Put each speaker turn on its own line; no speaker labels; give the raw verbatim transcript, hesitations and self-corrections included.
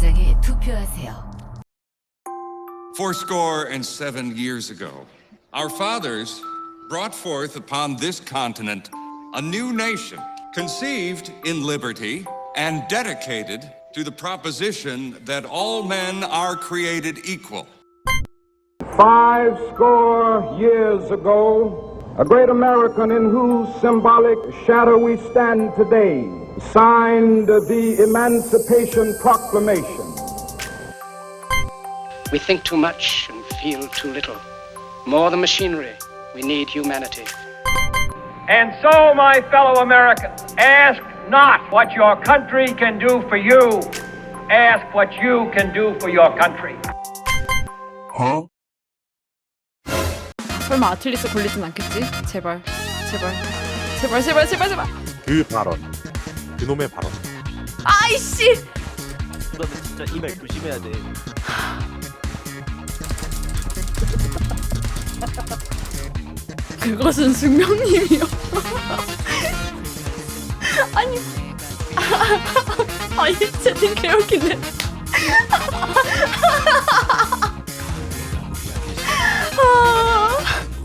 도장에 투표하세요.
Fourscore and seven years ago, our fathers brought forth upon this continent a new nation, conceived in liberty and dedicated to the proposition that all men are created equal.
Five score years ago, a great American in whose symbolic shadow we stand today signed the Emancipation Proclamation.
We think too much and feel too little. More than machinery, we need humanity.
And so, my fellow Americans, ask not what your country can do for you. Ask what you can do for your country.
Huh?
설마 아틀리스 걸리진 않겠지? 제발, 제발, 제발, 제발, 제발, 제발.
그 발언, 그놈의 발언.
아이씨!
너는 진짜 이 말 조심해야 돼.
그것은 숙명님이요. 아니, 아니 채팅 개웃기네.